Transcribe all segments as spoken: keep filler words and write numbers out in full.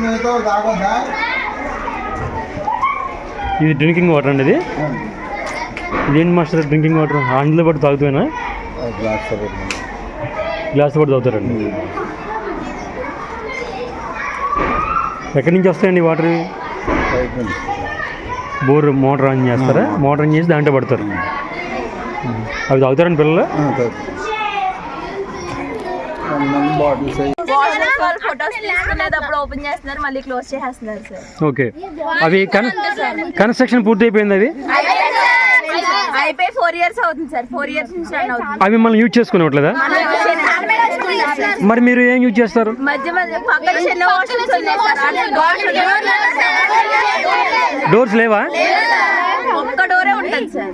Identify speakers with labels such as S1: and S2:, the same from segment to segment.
S1: ఇది drinking water అండి. ఇది ఇదేంటి మాస్టర్ డ్రింకింగ్ వాటర్ అందులో పాటు తాగుతాయినా గ్లాస్ పాటు తాగుతారండి. ఎక్కడి నుంచి వస్తాయండి వాటర్? బోర్ మోటార్ ఆన్ చేస్తారా? మోటార్ ఆన్ చేసి దాంట్లో పడతారు. అవి తాగుతారండి పిల్లలు?
S2: ఓపెన్ చేస్తున్నారు, మళ్ళీ క్లోజ్ చేస్తున్నారు సార్.
S1: ఓకే, అవి కన్స్ట్రక్షన్ పూర్తి అయిపోయింది. అవి
S2: అయిపోయి ఫోర్ ఇయర్స్ అవుతుంది సార్. ఫోర్ ఇయర్స్ నుంచి రన్ అవుతుంది.
S1: అవి మనం యూజ్ చేసుకునేట్లేదా? మరి మీరు ఏం యూజ్ చేస్తారు?
S2: మధ్య మధ్య పక్కన చిన్న వాష్రూమ్స్ ఉన్నాయి సార్.
S1: డోర్స్ లేవా?
S2: ఒక్క డోరే ఉంటుంది సార్.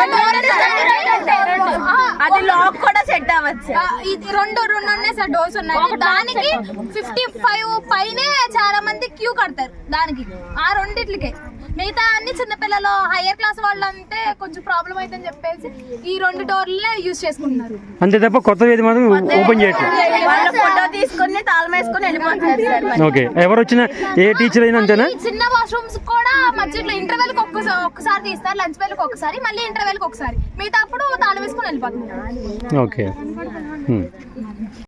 S2: అది లాక్ కూడా సెట్ అవ్వచ్చు.
S3: ఇది రెండు రెండు ఉన్నాయి సార్, డోర్స్ ఉన్నాయి. దానికి ఫిఫ్టీ ఫైవ్ పైనే చాలా మంది క్యూ కడతారు దానికి, ఆ రెండిట్లకే. మిగతా అన్ని చిన్నపిల్లలు హైయర్ క్లాస్ వాళ్ళు అంటే కొంచెం ప్రాబ్లం అవుతుందని చెప్పేసి ఈ రెండు డోర్లే యూజ్ చేసుకుంటున్నారు.
S1: అంతే తప్ప కొత్త ఏది మాత్రం ఓపెన్ చేయట్లేదు.
S2: ఫోటో తీసుకుని తాళం వేసుకుని వెళ్ళిపోతున్నారు సార్.
S1: ఓకే, ఎవరు వచ్చినా ఏ టీచర్ అయినా అంతేనా?
S3: చిన్న వాష్రూమ్స్ కూడా మధ్యలో ఇంటర్వెల్ కి ఒక్కసారి ఒక్కసారి తీస్తారు, లంచ్ బెల్ కి ఒకసారి, మళ్ళీ ఇంటర్వెల్ కి ఒకసారి. మిగతా అప్పుడు తాళం వేసుకుని వెళ్ళిపోతున్నారు.
S1: ఓకే.